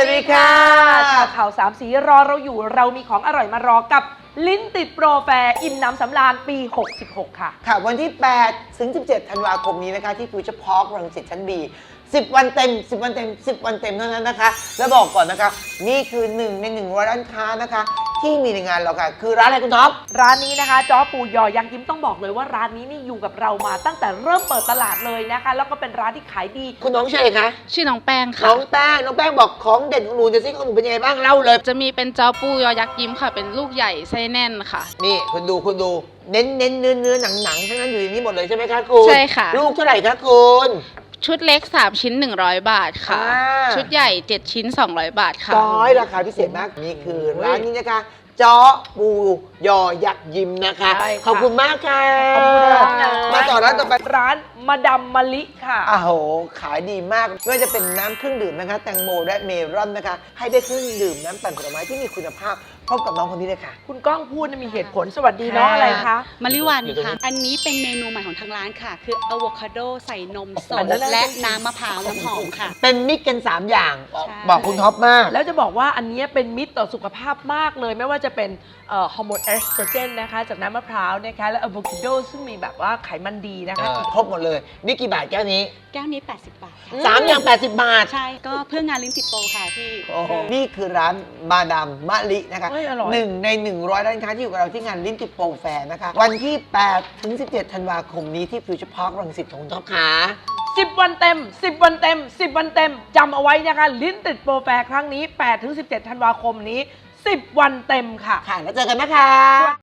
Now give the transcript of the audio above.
วัสดีค่ะข่าวสามสีรอเราอยู่เรามีของอร่อยมารอกับลิ้นติดโปรแฟร์อิ่มน้ำสำราญปี 66 ค่ะค่ะวันที่8ถึง17ธันวาคมนี้นะคะที่ฟิวเจอร์พาร์ครังสิตชั้น B 10 วันเต็ม10 วันเต็ม10 วันเต็มเท่านั้นนะคะแล้วบอกก่อนนะคะนี่คือ1 ใน 100 ร้านค้านะคะที่มีในงานเราค่ะคือร้านอะไรคุณท็อปร้านนี้นะคะจ้อปูยอยังยิ้มต้องบอกเลยว่าร้านนี้นี่อยู่กับเรามาตั้งแต่เริ่มเปิดตลาดเลยนะคะแล้วก็เป็นร้านที่ขายดีคุณน้องชื่ออะไรคะชื่อน้องแป้งค่ะน้องแป้งบอกของเด่นของหนูจะซิของหนูเป็นยังไงบ้างเล่าเลยจะมีเป็นเจ้าปูยอยักษ์ยิ้มค่ะ เป็นลูกใหญ่ไส้แน่นค่ะนี่คุณดูเน้นเนื้อหนังทั้งนั้นอยู่ในนี้หมดเลยใช่ไหมคะคุณใช่ค่ะลูกเท่าไหร่คะคุณชุดเล็ก3ชิ้น100 บาทค่ะ ชุดใหญ่7ชิ้น200 บาทค่ะราคาพิเศษมากนี่คือร้านนี้นะคะจ้อปูยอยักษ์ยิ้มนะคะขอบคุณมากค่ะมาต่อร้านต่อไปร้านมาดามมะลิค่ะอ้าวขายดีมากไม่ว่าจะเป็นน้ำเครื่องดื่มนะคะแตงโมและเมลอนนะคะให้ได้เครื่องดื่มน้ำปั่นผลไม้ที่มีคุณภาพพบกับน้องคนนี้เลยค่ะคุณก้องพูดมีเหตุผลสวัสดีน้องอะไรคะมะลิวันค่ะอันนี้เป็นเมนูใหม่ของทางร้านค่ะคืออะโวคาโดใส่นมสดและน้ำมะพร้าวน้ำหอมค่ะเป็นมิกกัน3อย่างบอกคุณท็อปมากแล้วจะบอกว่าอันนี้เป็นมิตรต่อสุขภาพมากเลยไม่ว่าจะเป็นฮอร์โมนเอสโตรเจนนะคะจากน้ำมะพร้าวนะคะและอะโวคาโดซึ่งมีแบบว่าไขมันดีนะคะครบหมดเลยนี่กี่บาทแก้วนี้แก้วนี้80 บาทค่ะ 3อย่าง80 บาทใช่ก็เพื่องานลิ้นติดโปรค่ะพี่นี่คือร้านมาดามมะลินะคะ1 ใน 100 ร้านค้าที่อยู่กับเราที่งานลิ้นติดโปรแฟร์นะคะวันที่8ถึง17ธันวาคมนี้ที่ฟิวเจอร์พาร์ครังสิตของท็อปขา 10 วันเต็ม10 วันเต็ม10 วันเต็มจำเอาไว้นะคะลิ้นติดโปรแฟร์ครั้งนี้8ถึง17ธันวาคมนี้10 วันเต็มค่ะแล้วเจอกันนะคะ